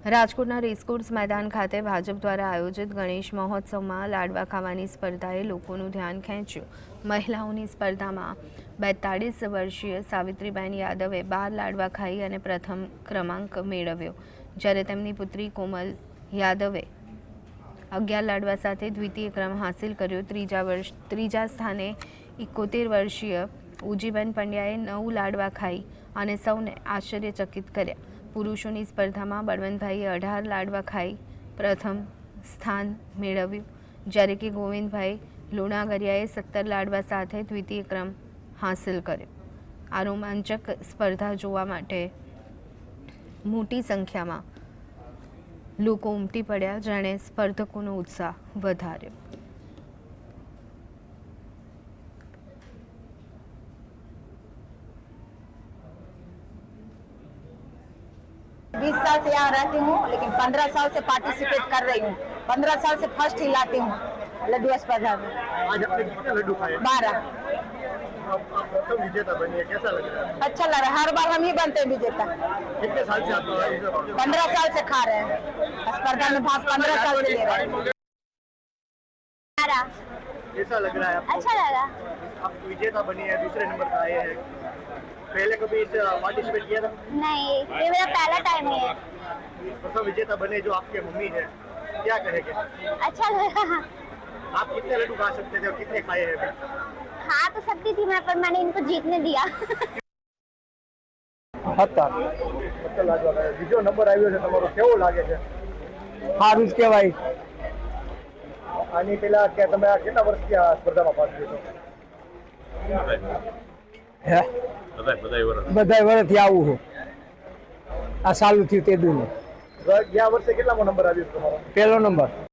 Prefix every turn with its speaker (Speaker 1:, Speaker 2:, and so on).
Speaker 1: રાજકોટના રેસકોર્સ મેદાન ખાતે ભાજપ દ્વારા આયોજિત ગણેશ મહોત્સવમાં લાડવા ખાવાની સ્પર્ધાએ લોકોનું ધ્યાન ખેંચ્યું। મહિલાઓની સ્પર્ધામાં 42 વર્ષીય સાવિત્રીબેન યાદવે 12 લાડવા ખાઈ અને પ્રથમ ક્રમાંક મેળવ્યો, જ્યારે તેમની પુત્રી કોમલ યાદવે 11 લાડવા સાથે દ્વિતીય ક્રમ હાંસિલ કર્યો। ત્રીજા સ્થાને 71 વર્ષીય ઉજીબેન પંડ્યાએ 9 લાડવા ખાઈ અને સૌને આશ્ચર્યચકિત કર્યા। પુરુષોની સ્પર્ધામાં બળવંતભાઈએ 18 લાડવા ખાઈ પ્રથમ સ્થાન મેળવ્યું, જ્યારે કે ગોવિંદભાઈ લુણાગરિયાએ 17 લાડવા સાથે દ્વિતીય ક્રમ હાંસિલ કર્યો। આ રોમાંચક સ્પર્ધા જોવા માટે મોટી સંખ્યામાં લોકો ઉમટી પડ્યા, જેણે સ્પર્ધકોનો ઉત્સાહ વધાર્યો।
Speaker 2: 20 साल से यहाँ रहती हूँ, लेकिन 15 साल से पार्टिसिपेट कर रही हूँ। 15 साल से फर्स्ट ही लाती हूँ लड्डू स्पर्धा में।
Speaker 3: आज आपने कितने लड्डू खाए?
Speaker 2: 12।
Speaker 3: आप प्रथम विजेता बनी है, कैसा लग रहा है?
Speaker 2: अच्छा लग रहा है, हर बार हम ही बनते हैं विजेता।
Speaker 3: कितने साल से आप
Speaker 2: 15 साल से खा रहे हैं, स्पर्धा में भाग 15 साल से ले रहे हैं।
Speaker 3: कैसा लग रहा है आपको?
Speaker 4: अच्छा लगा।
Speaker 3: आप विजेता बनी है, दूसरे नंबर पर आए हैं। पहले कभी इस पार्टिसिपेट किया था?
Speaker 4: नहीं, ये मेरा पहला टाइम है।
Speaker 3: प्रथम विजेता बने जो आपके मम्मी है, क्या कहेंगे?
Speaker 4: अच्छा लगा।
Speaker 3: आप कितने लड्डू खा सकते थे और कितने खाए हैं अभी?
Speaker 4: खा तो सकती थी मैं, पर मैंने इनको जीतने दिया।
Speaker 3: બીજો નંબર આવ્યો છે તમારો, કેવો લાગે છે?
Speaker 5: સારું જ કહેવાય।
Speaker 3: આની પહેલા કે તમે આ કેટલા વર્ષથી આ સ્પર્ધામાં ભાગ લીધો?
Speaker 5: હે બધાય વર્ષથી આવું છું, આ સાલું થયું તે દૂર।
Speaker 3: ગયા વર્ષે કેટલામો નંબર આવ્યો તમારો?
Speaker 5: પહેલો નંબર।